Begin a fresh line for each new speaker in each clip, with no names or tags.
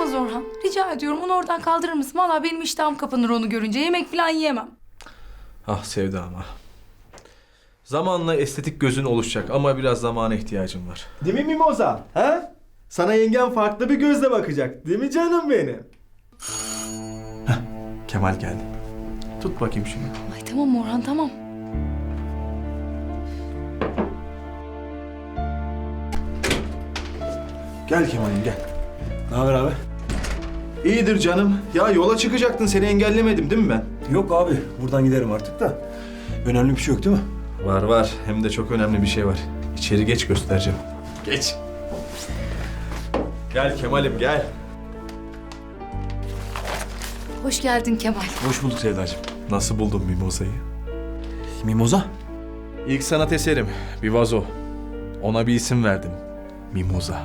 olmaz Orhan. Rica ediyorum onu oradan kaldırır mısın? Vallahi benim iştahım kapanır onu görünce. Yemek falan yiyemem.
Ah Sevda ama. Zamanla estetik gözün oluşacak ama biraz zamana ihtiyacım var.
Değil mi Mimoza? Ha? Sana yengen farklı bir gözle bakacak. Değil mi canım benim?
Kemal geldi. Tut bakayım şunu.
Ay tamam Orhan tamam.
Gel Kemal'im gel.
Ne haber abi?
İyidir canım. Ya yola çıkacaktın, seni engellemedim değil mi ben?
Yok abi. Buradan giderim artık da. Önemli bir şey yok değil mi?
Var var. Hem de çok önemli bir şey var. İçeri geç, göstereceğim. Geç. Gel Kemal'im gel.
Hoş geldin Kemal.
Hoş bulduk Sevdacığım.
Nasıl buldun Mimoza'yı?
Mimoza?
İlk sanat eserim. Bir vazo. Ona bir isim verdim. Mimoza.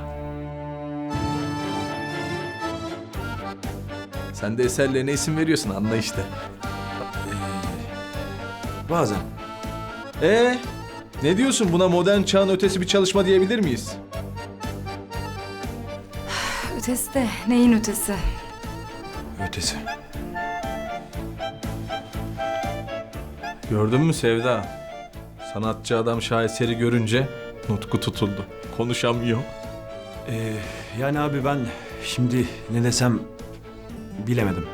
Sen de eserlerine isim veriyorsun, anla işte.
Bazen.
Ne diyorsun, buna modern çağın ötesi bir çalışma diyebilir miyiz?
Ötesi de neyin ötesi?
Ötesi.
Gördün mü Sevda? Sanatçı adam şaheseri görünce nutku tutuldu. Konuşamıyor.
Yani abi ben şimdi ne desem bilemedim.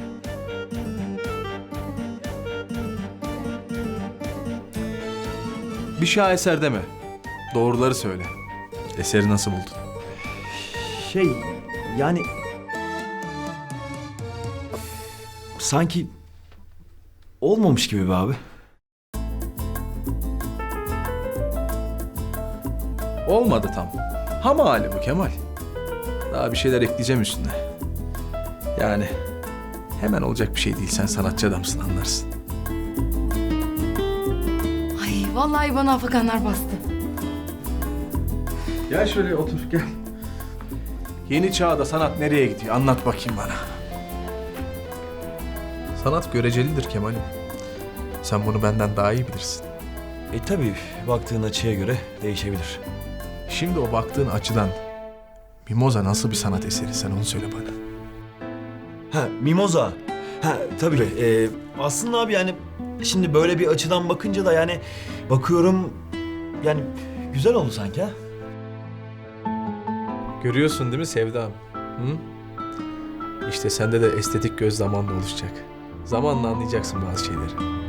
Bir şaheser deme. Doğruları söyle. Eseri nasıl buldun?
Yani... Sanki olmamış gibi be abi.
Olmadı tam. Ham hali bu Kemal. Daha bir şeyler ekleyeceğim üstüne. Yani hemen olacak bir şey değil. Sen sanatçı adamsın, anlarsın.
Ay vallahi bana afakanlar bastı.
Gel şöyle otur, gel. Yeni çağda sanat nereye gidiyor? Anlat bakayım bana. Sanat görecelidir Kemal'im. Sen bunu benden daha iyi bilirsin.
Tabii baktığın açıya göre değişebilir.
Şimdi o baktığın açıdan Mimoza nasıl bir sanat eseri? Sen onu söyle bana.
Ha, Mimoza. Ha, tabii. Aslında abi yani şimdi böyle bir açıdan bakınca da yani bakıyorum yani güzel oldu sanki ha.
Görüyorsun değil mi Sevdam? Hı? İşte sende de estetik göz zamanla oluşacak. Zamanla anlayacaksın bazı şeyleri.